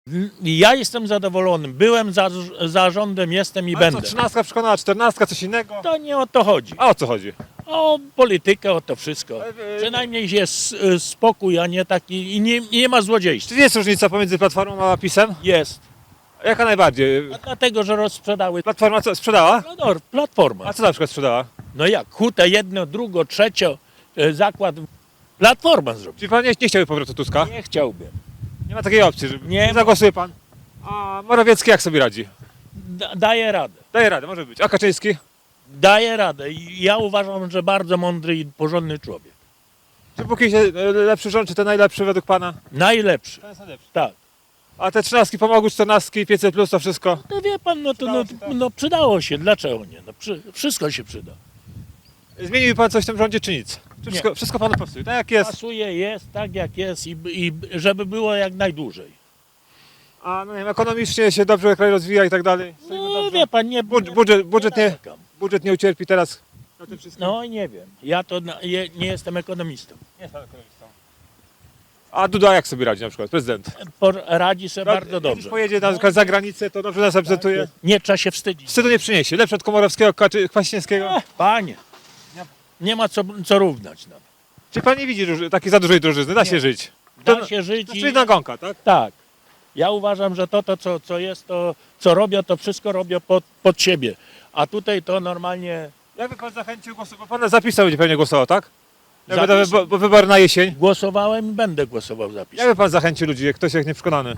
Ja jestem zadowolony. Byłem za rządem, jestem i Ale będę. co, 13 przekonała, 14, coś innego? To nie o to chodzi. A o co chodzi? O politykę, o to wszystko. Ale, Przynajmniej jest spokój, a nie taki i nie ma złodziejstwa. Czy jest różnica pomiędzy Platformą a PiS-em? Jest. Jaka najbardziej? A dlatego, że rozprzedały. Platforma co, sprzedała? No, Platforma. A co na przykład sprzedała? No jak? Hutę jedno, drugo, trzecio, zakład. Platforma zrobi. Czyli pan nie chciałby powrotu Tuska? Nie chciałbym. Nie ma takiej opcji, że Nie ma. zagłosuje pan. A Morawiecki jak sobie radzi? Daje radę. Daje radę, może być. A Kaczyński? Daje radę. I ja uważam, że bardzo mądry i porządny człowiek. Czy póki się lepszy rząd, czy ten najlepszy według pana? Najlepszy. Ten jest najlepszy. Tak. A te 13 pomogły, 14, 500 plus to wszystko? No wie pan, no to Przydało się, tak? no przydało się. Dlaczego nie? No, wszystko się przyda. Zmienił pan coś w tym rządzie, czy nic? Czy wszystko panu pasuje? Tak jak jest? Pasuje, jest tak jak jest i żeby było jak najdłużej. A no nie wiem, ekonomicznie się dobrze kraj rozwija i tak dalej? Stoimy No dobrze? wie pan, nie... Budżet nie ucierpi teraz na tym wszystkim? No nie wiem. Ja to nie jestem ekonomistą. Nie jest pan ekonomistą. A Duda jak sobie radzi na przykład, prezydent? Radzi sobie bardzo Jak dobrze. pojedzie na przykład za granicę, to dobrze nas reprezentuje? Nie trzeba się wstydzić. Wstydu nie przyniesie. Lepsze od Komorowskiego, Kwaśniewskiego? Panie, nie ma co równać nam. Czy pan nie widzi takiej za dużej drożyzny? Da się żyć. Da się żyć To i... czyli nagonka, tak? Tak. Ja uważam, że to co jest, to co robią, to wszystko robią pod siebie. A tutaj to normalnie Jakby pan zachęcił głosu, bo pan zapisał będzie pewnie głosował, tak? Jakby Zapis- bo wybory na jesień. głosowałem i będę głosował za PiS. Jakby pan zachęcił ludzi, jak ktoś jak nieprzekonany?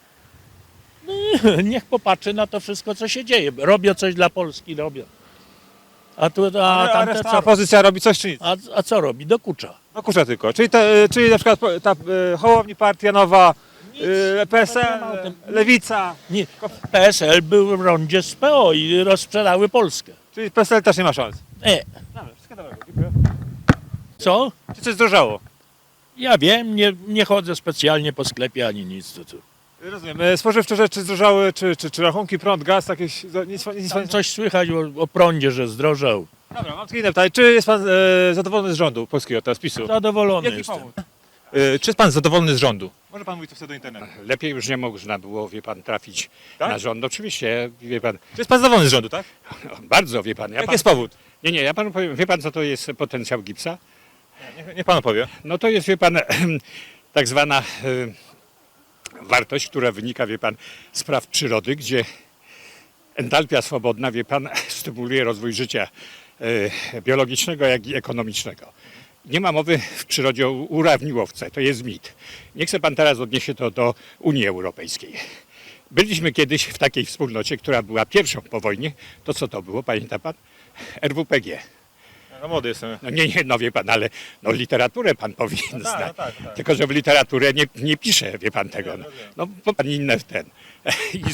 Niech popatrzy na to wszystko, co się dzieje. Robią coś dla Polski, robią. A A tamte reszta co? opozycja robi coś czy nic? A co robi? Dokucza. No kurczę tylko. Czyli na przykład Hołowni Partia Nowa, PSL, nie ma o tym. Lewica. Nie, PSL był w rondzie z PO i rozprzedały Polskę. Czyli PSL też nie ma szans. Dobra, Wszystkiego dobrego, dziękuję. Co? Czy coś zdrożało? Ja wiem, nie chodzę specjalnie po sklepie ani nic. To. Rozumiem. Spożywcze rzeczy zdrożały, czy rachunki, prąd, gaz, jakieś... Nic Tam coś słychać o prądzie, że zdrożał. Dobra, mam takie inne pytanie. Czy jest pan zadowolony z rządu polskiego, teraz PiS-u? Zadowolony Jaki jestem. powód? Czy jest pan zadowolony z rządu? Może pan mówić to wtedy do internetu. Lepiej już nie można było, wie pan, trafić Tak? na rząd. Oczywiście, wie pan, Czy jest pan zadowolony z rządu, tak? bardzo wie pan. Jaki jest powód? Nie, ja panu powiem, wie pan co to jest potencjał gipsa? Niech pan opowie. No to jest, wie pan, tak zwana wartość, która wynika, wie pan, z praw przyrody, gdzie entalpia swobodna, wie pan, stymuluje rozwój życia biologicznego, jak i ekonomicznego. Nie ma mowy w przyrodzie o urawniłowce, to jest mit. Nie chce pan teraz odnieść to do Unii Europejskiej. Byliśmy kiedyś w takiej wspólnocie, która była pierwszą po wojnie. To co to było, pamięta pan? RWPG. No młody jestem. No nie, no wie pan, ale no, literaturę pan powinien znać. tak. Tylko, że w literaturę nie pisze, wie pan tego. No bo pan inne w ten. I